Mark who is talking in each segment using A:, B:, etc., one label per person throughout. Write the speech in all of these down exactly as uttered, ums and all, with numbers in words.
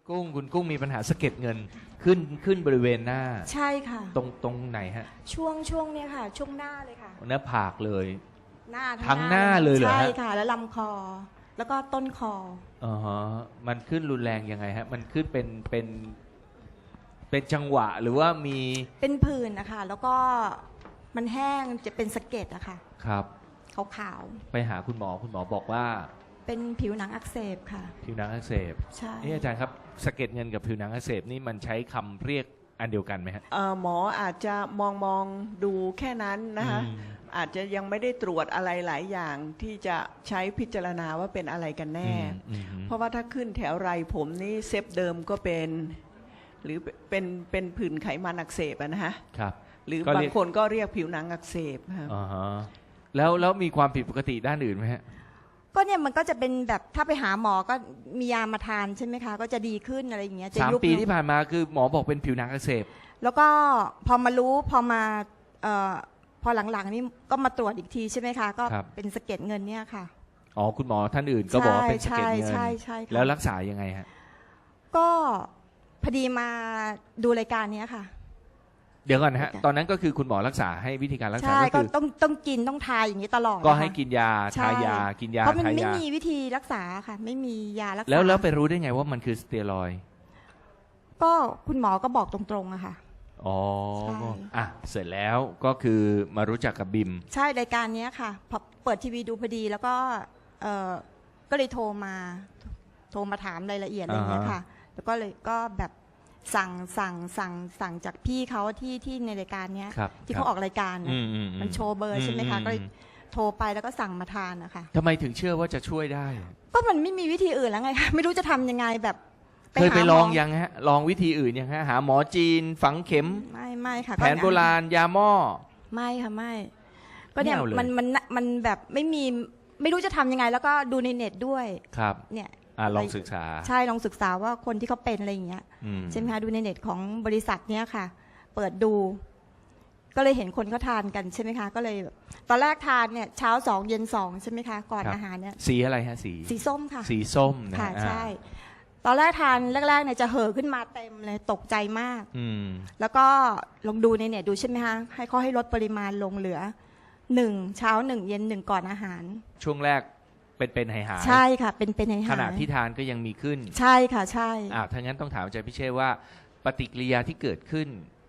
A: กุ้งคุณกุ้งมีปัญหาสะเก็ดเงินขึ้นขึ้นบริเวณหน้า
B: ใช่ค่ะ
A: ตรงตรงไหนฮะ
B: ช่วงช่วงเนี้ยค่ะช่วงหน้าเลยค่ะ
A: หน้าผากเลย
B: หน้า
A: ทั้งหน้าเลยเหรอฮะ
B: ใช่ค่ะแล้วลำคอแล้วก็ต้นคอ
A: อ๋อฮะมันขึ้นรุนแรงยังไงฮะมันขึ้นเป็นเป็นเป็นจังหวะหรือว่ามี
B: เป็นผื่นนะคะแล้วก็มันแห้งจะเป็นสะเก็ดอะค่ะ
A: ครับ
B: ขาว
A: ไปหาคุณหมอคุณหมอบอกว่า
B: เป็นผิวหนังอักเสบค่ะ
A: ผิวหนังอักเสบ
B: ใช่
A: นี่อาจารย์ครับสะเก็ดเงินกับผิวหนังอักเสบนี่มันใช้คำเรียกอันเดียวกันไหมฮะ
C: หมออาจจะมองมองดูแค่นั้นนะคะอาจจะยังไม่ได้ตรวจอะไรหลายอย่างที่จะใช้พิจารณาว่าเป็นอะไรกันแน่เพราะว่าถ้าขึ้นแถวไรผมนี่เซฟเดิมก็เป็นหรือเป็นเป็นผื่นไขมันอักเสบนะฮะ
A: ครับ
C: หรือบางคนก็เรียกผิวหนังอักเสบครับ
A: อ๋อฮะแล้วแล้วมีความผิดปกติด้านอื่นไหมฮะ
B: ก็เนี่ยมันก็จะเป็นแบบถ้าไปหาหมอก็มียามาทานใช่ไหมคะก็จะดีขึ้นอะไรอย่างเงี้ย
A: สามปีที่ผ่านมาคือหมอบอกเป็นผิวหนังอักเสบ
B: แล้วก็พอมารู้พอมาเอ่อพอหลังๆนี่ก็มาตรวจอีกทีใช่ไหมคะก็เป็นสะเก็ดเงินเนี่ยค่ะ
A: อ๋อคุณหมอท่านอื่นก็บอกว่าเป็นสะเก็ดเงิน
B: ใช่ใช่
A: แล้วรักษายังไงฮะ
B: ก็พอดีมาดูรายการนี้ค่ะ
A: เดี๋ยวก่อนนะฮะตอนนั้นก็คือคุณหมอรักษาให้วิธีการรักษาก็คือ
B: ต้องต้องกินต้องทายอย่างนี้ตลอด
A: ก็ให้กินยาทายากินยา
B: เพราะมันไม่มีวิธีรักษาค่ะไม่มียารักษา
A: แล้วแล้วไปรู้ได้ไงว่ามันคือสเตียรอยด์
B: ก็คุณหมอก็บอกตรงๆอะค่ะ
A: อ๋ออ่ะเสร็จแล้วก็คือมารู้จักกับบิม
B: ใช่รายการนี้ค่ะพอเปิดทีวีดูพอดีแล้วก็เออก็เลยโทรมาโทรมาถามรายละเอียดอะไรอย่างเงี้ยค่ะแล้วก็เลยก็แบบสั่งสั่งสั่งสั่งจากพี่เขาที่ที่ในรายการเนี้ยที่เขาออกรายการมันโชว์เบอร์ใช่ไหมคะก็เลยโทรไปแล้วก็สั่งมาทานนะคะ
A: ทำไมถึงเชื่อว่าจะช่วยได้
B: ก็มันไม่มีวิธีอื่นแล้วไงคะไม่รู้จะทำยังไงแบบ
A: เคยไปลองยังฮะลองวิธีอื่นยังฮะหาหมอจีนฝังเข็ม
B: ไม่ไม่ค่ะ
A: แผนโบราณยาหม้อ
B: ไม่ค่ะไม่ก็เนี่ยมันมันมันแบบไม่มีไม่รู้จะทำยังไงแล้วก็ดูในเน็ตด้วย
A: ครับ
B: เนี่ย
A: อ่าลองศึกษา
B: ใช่ลองศึกษาว่าคนที่เขาเป็นอะไรอย่างเงี้ยใช่ไหมคะดูในเน็ตของบริษัทเนี้ยค่ะเปิดดูก็เลยเห็นคนเขาทานกันใช่ไหมคะก็เลยตอนแรกทานเนี่ยเช้าสองเย็นสองใช่ไหมคะก่อนอาหารเนี่ย
A: สีอะไรฮะสี
B: สีส้มค่ะ
A: สีส้ม
B: ค่ะใช่ตอนแรกทานแรกๆเนี่ยจะเห่อขึ้นมาเต็มเลยตกใจมากแล้วก็ลองดูในเน็ตดูใช่ไหมคะให้เขาให้ลดปริมาณลงเหลือหนึ่งเช้าหนึ่งเย็นหนึ่งก่อนอาหาร
A: ช่วงแรกเป็นเป็นหายหาย
B: ใช่ค่ะเป็นเป็นหายหาย
A: ขณะที่ทานก็ยังมีขึ้น
B: ใช่ค่ะใช่
A: อ่าถ้างั้นต้องถามอาจารย์พิเชษว่าปฏิกิริยาที่เกิดขึ้น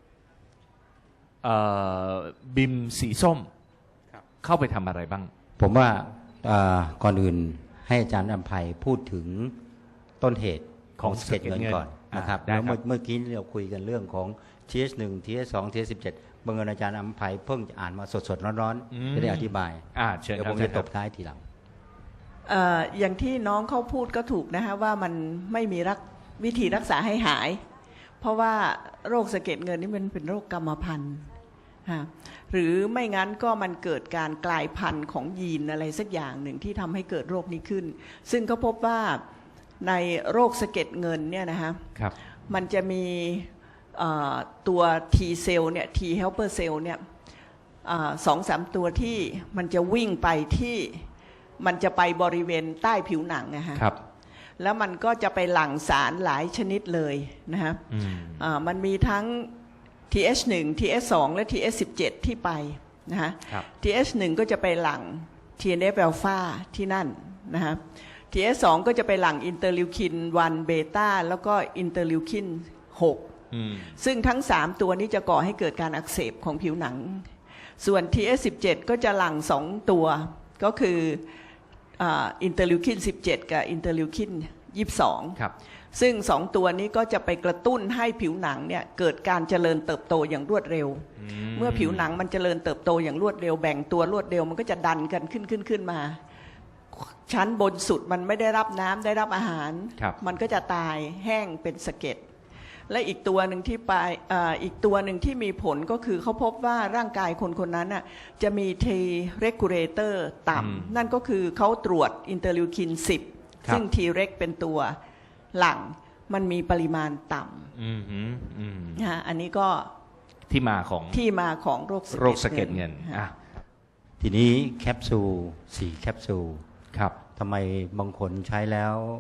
A: บิมสีส้มเข้าไปทำอะไรบ้าง
D: ผมว่าก่อนอื่นให้อาจารย์อภัยพูดถึงต้นเหตุของสะเก็ดเงินก่อนนะครับแล้วเมื่อกี้เราคุยกันเรื่องของ ที เอช หนึ่ง ที เอช สอง ที เอช สิบเจ็ดบังเอิญอาจารย์อภัยเพิ่งอ่านมาสดๆร้อนๆจะได้อธิบายเดี๋ยวผมจะตบท้ายทีหลัง
C: อย่างที่น้องเขาพูดก็ถูกนะฮะว่ามันไม่มีรักวิธีรักษาให้หายเพราะว่าโรคสะเก็ดเงินนี่มันเป็นโรคกรรมพันธุ์หรือไม่งั้นก็มันเกิดการกลายพันธุ์ของยีนอะไรสักอย่างหนึ่งที่ทำให้เกิดโรคนี้ขึ้นซึ่งเขาพบว่าในโรคสะเก็ดเงินเนี่ยนะฮะมันจะมีตัว T เซลล์เนี่ย T helper cell เนี่ยสองสามตัวที่มันจะวิ่งไปที่มันจะไปบริเวณใต้ผิวหนังนะฮะแล้วมันก็จะไปหลั่งสารหลายชนิดเลยนะฮะมันมีทั้ง ที เอช หนึ่ง ที เอช สอง และ ที เอช สิบเจ็ด ที่ไปนะฮะ ที เอช หนึ่ง ก็จะไปหลั่ง ที เอ็น เอฟ อัลฟาที่นั่นนะฮะ ที เอช สอง ก็จะไปหลั่งอินเตอร์ลิวคินวันเบต้าแล้วก็อินเตอร์ลิวคินหกซึ่งทั้งสามตัวนี้จะก่อให้เกิดการอักเสบของผิวหนังส่วน ที เอช สิบเจ็ด ก็จะหลั่งสองตัวก็คืออินเตอร์ลิวคินสิบเจ็ดกับอินเตอร์ลิวคินยี่สิบสองซึ่งสองตัวนี้ก็จะไปกระตุ้นให้ผิวหนังเนี่ยเกิดการเจริญเติบโตอย่างรวดเร็วเมื่อผิวหนังมันเจริญเติบโตอย่างรวดเร็วแบ่งตัวรวดเร็วมันก็จะดันกันขึ้นขึ้นขึ้นมาชั้นบนสุดมันไม่ได้รับน้ำได้รับอาหารมันก็จะตายแห้งเป็นสะเก็ดและอีกตัวหนึ่งที่ไปอีกตัวหนึ่งที่มีผลก็คือเขาพบว่าร่างกายคนคนนั้นน่ะจะมี T regulator ต่ำนั่นก็คือเขาตรวจอินเตอร์ลิวคินสิบซึ่ง T reg เป็นตัวหลังมันมีปริมาณต่ำนะอันนี้ก็
A: ที่มาของ
C: ที่มาของโรค
A: โรคสะเก็ดเงิน
D: ทีนี้แคปซูลสี่แคปซูล
A: ครับ
D: ทำไมบางคนใช้แล้ว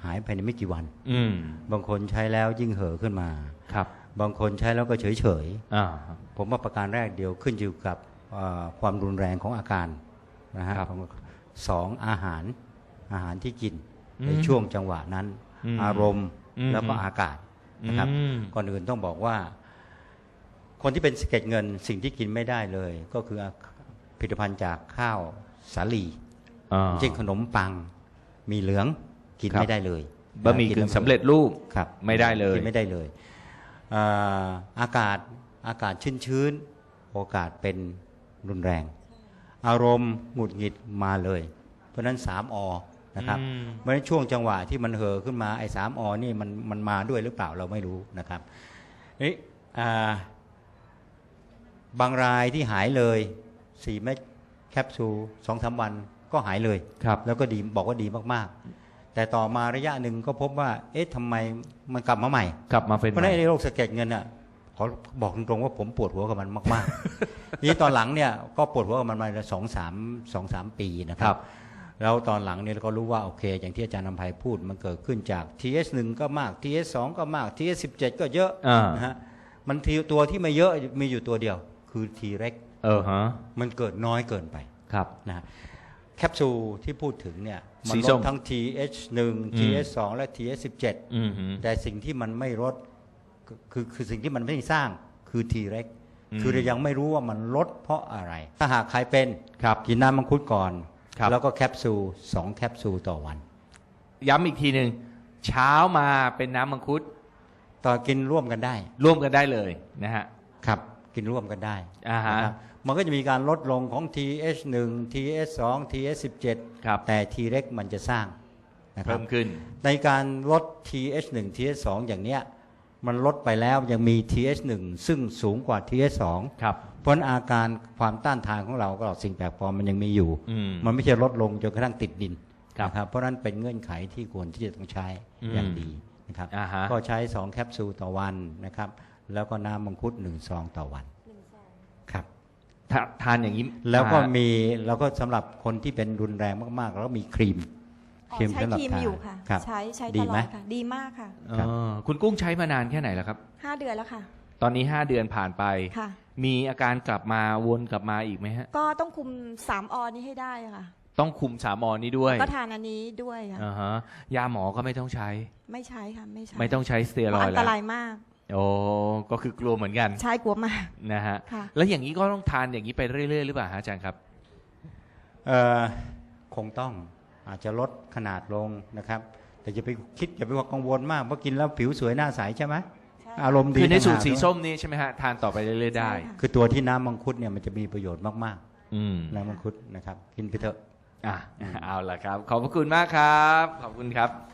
D: หายภายในไม่กี่วัน
A: อืม
D: บางคนใช้แล้วยิ่งเห่อะขึ้นมา
A: ครับ
D: บางคนใช้แล้วก็เฉยเฉย
A: อ่า
D: ๆผมว่าประการแรกเดียวขึ้นอยู่กับเอ่อความรุนแรงของอาการนะฮะ
A: ครับ
D: ของสองอาหารอาหารที่กิน
A: อืม
D: ในช่วงจังหวะนั้น
A: อืม
D: อารมณ์
A: อืม
D: แล้วก็อากาศนะครับ
A: อืม
D: ก่อนอื่นต้องบอกว่า คนที่เป็นสะเก็ดเงินสิ่งที่กินไม่ได้เลย ก็คือผลิตภัณฑ์จากข้าวสาลี
A: อ่า
D: เช่นขนมปังมีเหลืองกิน
A: ครับ
D: ไม่ได้เลย
A: บะหมี่กึ่งสำเร็จรูป
D: ครับ
A: ไม่ได้เลย
D: กินไม่ได้เลยอ่าอากาศอากาศชื้นๆโอกาสเป็นรุนแรง อารมณ์หงุดหงิดมาเลย เพราะฉะนั้นสามอนะครับ
A: อืม
D: เพราะฉะนั้นช่วงจังหวะที่มันเห่อขึ้นมาไอ้สามอนี่มันมันมาด้วยหรือเปล่าเราไม่รู้นะครับนี่อ่าบางรายที่หายเลยสี่เม็ดแคปซูลสองสามวันก็หายเลย
A: ครับ
D: แล้วก็ดีบอกว่าดีมากๆ แต่ต่อมาระยะหนึ่งก็พบว่า เอ๊ะทำไมมันกลับมาใหม่
A: กลับมาเป็น
D: เพราะฉะนั้นไอ้โรคสะเก็ดเงินอ่ะขอบอกตรงๆว่าผมปวดหัวกับมันมากๆ ทีนี้ตอนหลังเนี่ยก็ปวดหัวกับมันมาสองสามสองสามปีนะค
A: ครั
D: รับ บ แล้วตอนหลังเนี่ยเราก็รู้ว่าโอเค อย่างที่อาจารย์นำไพพูดมันเกิดขึ้นจาก ที เอส หนึ่ง ก็มาก ที เอส สอง ก็มาก ที เอส สิบเจ็ด ก็เยอะ
A: อ่า
D: นะฮะมันทีตัวที่ไม่เยอะมีอยู่ตัวเดียว คือ T เร็ก
A: เออฮะ
D: มันเกิดน้อยเกินไป
A: ครับ
D: นะฮะแคปซูลที่พูดถึงเนี่ยมั
A: สี
D: ล
A: ส้
D: ด
A: ม
D: ทั้ง ที เอช หนึ่ง ที เอส สอง และ ที เอส สิบเจ็ด
A: อืมฮึ
D: แต่สิ่งที่มันไม่ลดคือคือคือสิ่งที่มันไม่สร้างคือ T เร็ก
A: อืม
D: คือเรายังไม่รู้ว่ามันลดเพราะอะไร ถ้าหากใครเป็น
A: ครับ
D: กินน้ำมังคุดก่อน
A: ครับ
D: แล้วก็แคปซูลสองแคปซูลต่อวัน
A: ย้ำอีกทีหนึ่งเช้ามาเป็นน้ำมังคุด
D: ต่อกินร่วมกันได้
A: ร่วมกันได้เลยนะฮะ
D: ครับ กินร่วมกันได้
A: อ่าฮะ
D: นะครับมันก็จะมีการลดลงของ ที เอช หนึ่ง ที เอส สอง ที เอส สิบเจ็ด
A: ครับ
D: แต่ T เร็กมันจะสร้างนะครั
A: เพิ่
D: บ
A: มขึ้น
D: ในการลด ที เอช หนึ่ง ที เอส สอง อย่างเนี้ยมันลดไปแล้วยังมี ที เอช หนึ่ง ซึ่งสูงกว่า ที เอส สอง
A: ครับ
D: เพราะฉะนั้นอาการความต้านทานของเราก็สิ่งแปลกปลอมมันยังมีอยู่
A: อืม
D: มันไม่ใช่ลดลงจนกระทั่งติดดิน
A: ครับ
D: นะครับเพราะฉะนั้นเป็นเงื่อนไขที่ควรที่จะต้องใช้อย่างดีนะครับ
A: อ่าฮะ
D: ก็ใช้สองแคปซูลต่อวันนะครับแล้วก็น้ำมังคุดหนึ่งซองต่อวันครับ
A: ทาทานอย่างนี้
D: แล้วก็
A: อ่า
D: มีแล้วก็สำหรับคนที่เป็นรุนแรงมากๆ แล้วก็มีครีม
B: อ๋อ
D: ครีม
B: ใช้
D: สำหรับ
B: ครีม
D: ทา
B: อยู่ค่ะ
D: ครับ
B: ใช้ใช้ต
D: ดี
B: ลอ
D: ไหม
B: ดค่ะ ดีมากค่ะ
A: เออคุณกุ้งใช้มานานแค่ไหนแล้วครับ
B: ห้าเดือนแล้วค่ะ
A: ตอนนี้ห้าเดือนผ่านไป
B: ค่ะ
A: มีอาการกลับมาวนกลับมาอีกไหมฮะ
B: ก็ต้องคุมสามอนี้ให้ได้ค่ะ
A: ต้องคุมสามอนี้ด้วย
B: ก็ทานอันนี้ด้วยค่ะ
A: อ่าฮะยาหมอก็ไม่ต้องใช้
B: ไม่ใช้ค่ะไม่ใช้
A: ไม่ต้องใช้สเตีย
B: เพ
A: ร
B: ราะ
A: อย
B: อั
A: ด์
B: น
A: แล้
B: ต
A: ว
B: รายมาก
A: โอ้ก็คือกลัวเหมือนกัน
B: ใช่กลัวมาก
A: นะฮะ
B: ค่ะ
A: แล้วอย่างนี้ก็ต้องทานอย่างนี้ไปเรื่อยๆหรือเปล่าฮะอาจารย์ครับ
D: เอ่อคงต้องอาจจะลดขนาดลงนะครับ แต่อย่าไปคิดอย่าไปกังวลมากเพราะกินแล้วผิวสวยหน้าใสใช่ไหม
B: ใช่
D: อารมณ์ดี
A: คือในสูตร
D: ต่างหาก
A: สี
D: ด้วย
A: ส้มนี่ใช่ไหมฮะทานต่อไปเรื่อยๆได้
B: ใช่ค่ะ
D: คือตัวที่น้ำมังคุดเนี่ยมันจะมีประโยชน์มาก
A: อืม
D: ๆน้ำมังคุดนะครับกินไปเถอะ
A: อ่ะเอาล่ะครับ ขอบพระคุณมากครับ ขอบคุณครับ